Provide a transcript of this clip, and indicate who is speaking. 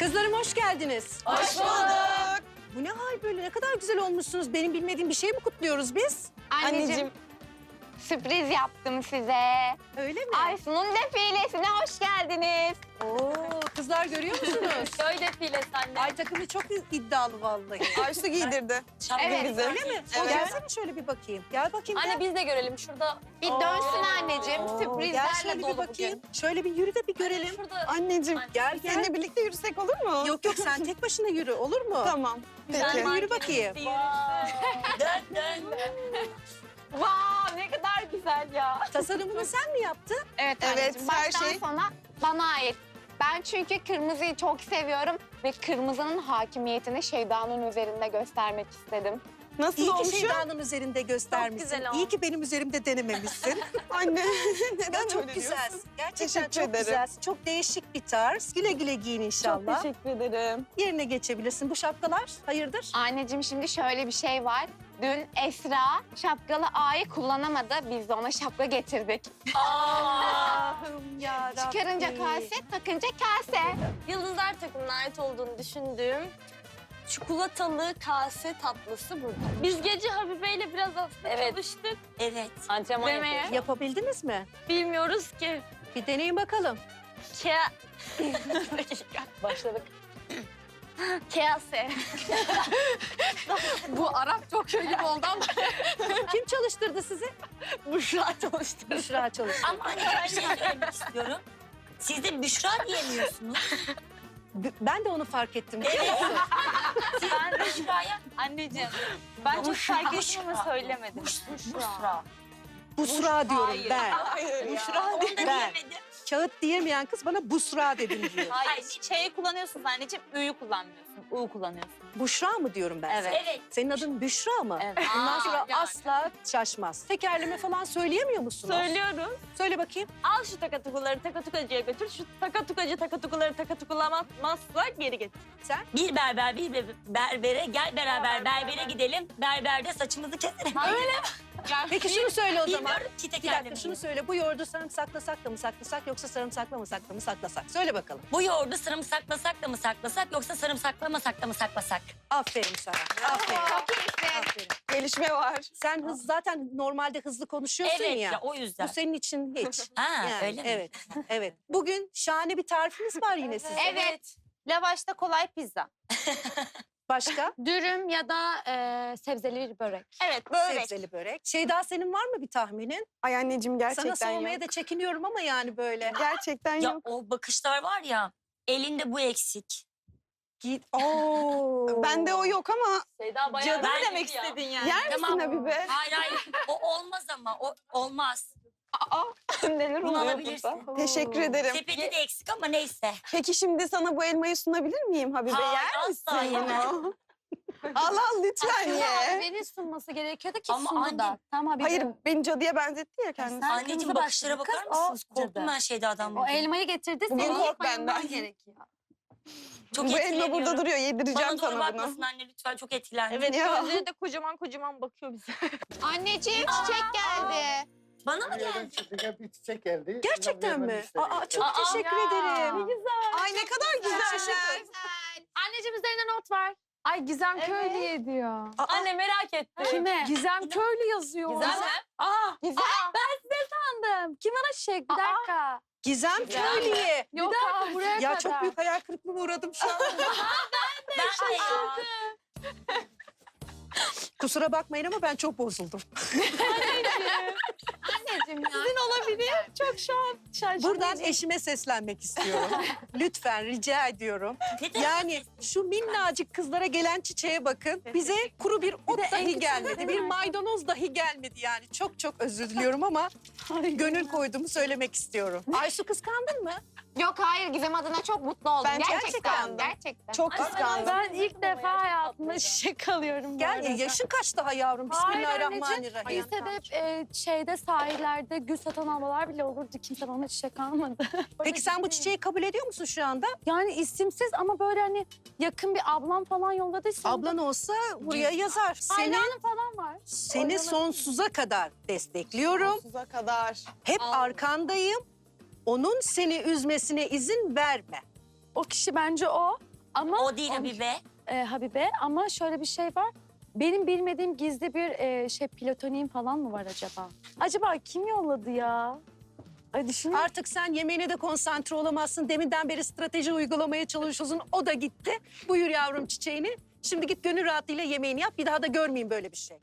Speaker 1: Kızlarım hoş geldiniz.
Speaker 2: Hoş bulduk.
Speaker 1: Bu ne hal böyle? Ne kadar güzel olmuşsunuz. Benim bilmediğim bir şey mi kutluyoruz biz?
Speaker 2: Anneciğim,
Speaker 3: Sürpriz yaptım size.
Speaker 1: Öyle mi?
Speaker 3: Aysun'un defilesine hoş geldiniz.
Speaker 1: Oo, kızlar görüyor musunuz?
Speaker 2: köy defilesi anne.
Speaker 1: Ay takımı çok iddialı vallahi.
Speaker 4: Aysu giydirdi. Şapka
Speaker 3: Evet,
Speaker 4: bizi.
Speaker 1: Öyle mi?
Speaker 4: Evet.
Speaker 1: Gelsene şöyle bir bakayım. Gel bakayım.
Speaker 2: Anne
Speaker 1: gel.
Speaker 2: biz de görelim şurada.
Speaker 3: Bir dönsün anneciğim.
Speaker 1: Oo, gel
Speaker 3: Sürprizlerle
Speaker 1: şöyle bir
Speaker 3: dolu
Speaker 1: bakayım.
Speaker 3: bugün.
Speaker 1: Şöyle bir yürü de bir görelim.
Speaker 2: Şurada
Speaker 4: Anneciğim,
Speaker 1: Gel gel.
Speaker 4: seninle birlikte yürüsek olur mu?
Speaker 1: Yok yok sen tek başına yürü olur mu?
Speaker 4: Tamam.
Speaker 2: güzel
Speaker 4: Peki.
Speaker 1: Yürü bakayım.
Speaker 2: Dön.
Speaker 3: Vav ne kadar güzel ya.
Speaker 1: Tasarımını sen mi yaptın?
Speaker 3: Evet
Speaker 4: Evet,
Speaker 3: anneciğim.
Speaker 4: her
Speaker 3: Baştan
Speaker 4: şey-
Speaker 3: sona bana ait. Ben çünkü kırmızıyı çok seviyorum ve kırmızının hakimiyetini Şeyda'nın üzerinde göstermek istedim.
Speaker 4: Nasıl
Speaker 1: İyi ki
Speaker 4: olmuş?
Speaker 1: Şeyda'nın üzerinde göstermişsin.
Speaker 2: güzel
Speaker 1: İyi
Speaker 2: olmuş.
Speaker 1: ki benim üzerimde denememişsin.
Speaker 4: Anne, neden
Speaker 1: Ya çok
Speaker 4: öyle
Speaker 1: güzelsin.
Speaker 4: diyorsun?
Speaker 1: Gerçekten
Speaker 4: Teşekkür
Speaker 1: çok
Speaker 4: ederim.
Speaker 1: güzelsin. Çok değişik bir tarz. Güle güle giyin
Speaker 4: Çok
Speaker 1: inşallah.
Speaker 4: teşekkür ederim.
Speaker 1: Yerine geçebilirsin. Bu şapkalar hayırdır?
Speaker 3: Anneciğim şimdi şöyle bir şey var. Dün Esra şapkalı A'yı kullanamadı. Biz de ona şapka getirdik.
Speaker 1: Allah'ım yarabbim.
Speaker 3: Çıkarınca kase, takınca kase.
Speaker 2: Yıldızlar takımına ait olduğunu düşündüğüm çikolatalı kase tatlısı burada. Biz gece Habibe ile biraz aslında çalıştık.
Speaker 5: Evet.
Speaker 2: Antrenman
Speaker 3: Demeye.
Speaker 2: yapıyoruz.
Speaker 1: Yapabildiniz mi?
Speaker 2: Bilmiyoruz ki.
Speaker 1: Bir deneyin bakalım.
Speaker 2: Bir dakika. Başladık. Kase.
Speaker 3: Bu Arap çok şey gibi oldu ama.
Speaker 1: Kim çalıştırdı sizi?
Speaker 2: Büşra çalıştı.
Speaker 1: Büşra çalıştırdı.
Speaker 5: Ama anne ben şey söylemek istiyorum. Siz de Büşra diyemiyorsunuz.
Speaker 1: Ben de onu fark ettim.
Speaker 5: Siz Büşra'ya
Speaker 2: Anneciğim ben çok fark ettim ama
Speaker 5: Büşra.
Speaker 2: söylemedim.
Speaker 5: Büşra.
Speaker 1: Busra diyorum
Speaker 2: Hayır.
Speaker 1: ben.
Speaker 4: Hayır ya.
Speaker 5: Büşra onu da
Speaker 1: Ben.
Speaker 5: diyemedim.
Speaker 1: Kağıt diyemeyen kız bana Busra dedim diyor.
Speaker 2: Hayır. Şeyi kullanıyorsunuz anneciğim, Ü'yü kullanmıyorsun. U kullanıyorsun.
Speaker 1: Buşra mı diyorum ben sana?
Speaker 5: Evet.
Speaker 1: Senin adın Büşra mı?
Speaker 2: Evet.
Speaker 1: Bundan sonra
Speaker 2: yani.
Speaker 1: asla şaşmaz. Tekerleme falan söyleyemiyor musunuz?
Speaker 2: Söylüyoruz.
Speaker 1: Söyle bakayım.
Speaker 2: Al şu takatukuları takatukacıya götür. Şu takatukuları takatukulamazsa geri getir.
Speaker 1: Sen?
Speaker 5: Bir berber bir berbere gel beraber berbere gidelim. Berberde saçımızı keselim.
Speaker 1: Peki şunu söyle o zaman.
Speaker 5: Bilmiyorum ki
Speaker 1: Bir dakika
Speaker 5: tekerlemeyi.
Speaker 1: şunu söyle. Bu yoğurdu sarımsaklasak da mı saklasak yoksa sarımsaklamasak da mı saklasak? Söyle bakalım.
Speaker 5: Bu yoğurdu sarımsaklasak da mı saklasak yoksa sarımsaklamasak da mı saklasak?
Speaker 1: Aferin sana. Aferin.
Speaker 3: Çok iyisin.
Speaker 1: Aferin.
Speaker 4: Gelişme var.
Speaker 1: Sen zaten normalde hızlı konuşuyorsun
Speaker 5: Evet
Speaker 1: ya.
Speaker 5: ya o yüzden.
Speaker 1: Bu senin için hiç.
Speaker 5: Ha
Speaker 1: Yani,
Speaker 5: öyle mi?
Speaker 1: Evet. Evet. Bugün şahane bir tarifiniz var yine sizin.
Speaker 3: Evet.
Speaker 2: Lavaşta kolay pizza.
Speaker 1: Başka?
Speaker 3: Dürüm ya da sebzeli bir börek.
Speaker 2: Evet börek.
Speaker 1: Sebzeli börek. Şeyda senin var mı bir tahminin?
Speaker 4: Ay anneciğim gerçekten
Speaker 1: Sana sormaya
Speaker 4: yok.
Speaker 1: da çekiniyorum ama yani böyle.
Speaker 4: Gerçekten
Speaker 5: Ya
Speaker 4: yok.
Speaker 5: o bakışlar var ya elinde bu eksik.
Speaker 1: Git. Oo.
Speaker 4: Bende o yok ama
Speaker 2: Şeyda bayağı
Speaker 5: Cadı
Speaker 2: ben
Speaker 5: demek
Speaker 2: istedin yani.
Speaker 4: yer misin
Speaker 5: Tamam.
Speaker 4: Habibe?
Speaker 5: Hayır hayır o olmaz ama o olmaz.
Speaker 4: Neler
Speaker 5: Bunu
Speaker 4: oluyor
Speaker 5: alabilirsin.
Speaker 4: burada? Teşekkür ederim.
Speaker 5: Sepeti de eksik ama neyse.
Speaker 4: Peki şimdi sana bu elmayı sunabilir miyim Habibe?
Speaker 5: Hayır,
Speaker 4: Yer misin?
Speaker 5: asla yemem.
Speaker 4: Al al lütfen ye.
Speaker 3: Beni sunması gerekiyordu ki
Speaker 5: Ama
Speaker 3: sundu
Speaker 5: anne-
Speaker 3: da. Tamam bir
Speaker 4: Hayır beni cadıya benzetti ya kendisi.
Speaker 3: Sen
Speaker 5: Anneciğim
Speaker 3: kırmızı
Speaker 5: bakışlara
Speaker 3: başlıklı
Speaker 5: bakar
Speaker 3: kız, o
Speaker 5: mısınız? Korktum
Speaker 3: cadı.
Speaker 5: ben Şeyda'dan.
Speaker 3: O
Speaker 5: bugün.
Speaker 3: elmayı getirdi.
Speaker 4: Bugün
Speaker 3: senin
Speaker 4: kork
Speaker 3: bayılman
Speaker 4: benden.
Speaker 3: gerekiyor.
Speaker 5: Çok
Speaker 4: Bu elma
Speaker 5: etkileniyorum.
Speaker 4: burada duruyor. Yedireceğim
Speaker 5: Bana doğru
Speaker 4: sana
Speaker 5: bakmasın
Speaker 4: bunu.
Speaker 5: anne lütfen çok etkilendim.
Speaker 2: Evet
Speaker 4: Ya.
Speaker 2: gözleri de kocaman bakıyor bize.
Speaker 3: Anneciğim çiçek geldi.
Speaker 5: Bana mı geldi?
Speaker 6: Bir çiçek geldi.
Speaker 1: Gerçekten mi? Aa, çok
Speaker 2: Aa,
Speaker 1: teşekkür
Speaker 2: ya.
Speaker 1: ederim.
Speaker 4: Ay ne kadar güzeller.
Speaker 3: Anneciğim üzerine not var.
Speaker 7: Ay Gizem Köylü'ye diyor.
Speaker 2: Anne merak ettim.
Speaker 7: Kime? Gizem Köylü yazıyor.
Speaker 2: Güzel mi?
Speaker 7: Sandım. Kim bana çiçek? Bir dakika.
Speaker 1: Gizem Köylü'ye.
Speaker 7: Yok abi buraya
Speaker 1: Ya
Speaker 7: kadar.
Speaker 1: çok büyük hayal kırıklığına uğradım şu an.
Speaker 5: Ben de ya.
Speaker 1: Kusura bakmayın ama ben çok bozuldum.
Speaker 3: Anneciğim ya.
Speaker 7: Çok şu an şaşırdım.
Speaker 1: Buradan eşime seslenmek istiyorum. Lütfen rica ediyorum.
Speaker 5: Neden?
Speaker 1: Yani şu minnacık kızlara gelen çiçeğe bakın. Bize kuru bir ot dahi gelmedi. Bir maydanoz dahi gelmedi yani. Çok çok özür diliyorum ama gönül koyduğumu söylemek istiyorum. Aysu kıskandın mı?
Speaker 3: Yok hayır Gizem adına çok mutlu oldum.
Speaker 4: Ben çok
Speaker 3: gerçekten.
Speaker 4: kıskandım.
Speaker 3: Gerçekten.
Speaker 4: Çok kıskandım.
Speaker 7: Ben ilk defa hayatımda çiçek alıyorum bu
Speaker 1: Gel
Speaker 7: arada.
Speaker 1: yaşın kaç daha yavrum?
Speaker 7: Hayır
Speaker 1: Bismillahirrahmanirrahim.
Speaker 7: Lisede hep şeyde sahillerde gül satan ablalar bile olurdu. Kimse bana çiçek almadı.
Speaker 1: Peki sen bu çiçeği kabul ediyor musun şu anda?
Speaker 7: Yani isimsiz ama böyle hani yakın bir ablam falan yolladıysa.
Speaker 1: Ablan olsa buraya yazar.
Speaker 7: Hayranım falan var.
Speaker 1: Seni sonsuza kadar destekliyorum.
Speaker 4: Sonsuza kadar.
Speaker 1: Hep arkandayım. Onun seni üzmesine izin verme.
Speaker 7: O kişi bence o. Ama
Speaker 5: O değil Habibe.
Speaker 7: Habibe ama şöyle bir şey var. Benim bilmediğim gizli bir platoniğim falan mı var acaba? Acaba kim yolladı ya? Ay düşün.
Speaker 1: Artık sen yemeğine de konsantre olamazsın. Deminden beri strateji uygulamaya çalışıyorsun. O da gitti. Buyur yavrum çiçeğini. Şimdi git gönül rahatlığıyla yemeğini yap. Bir daha da görmeyeyim böyle bir şey.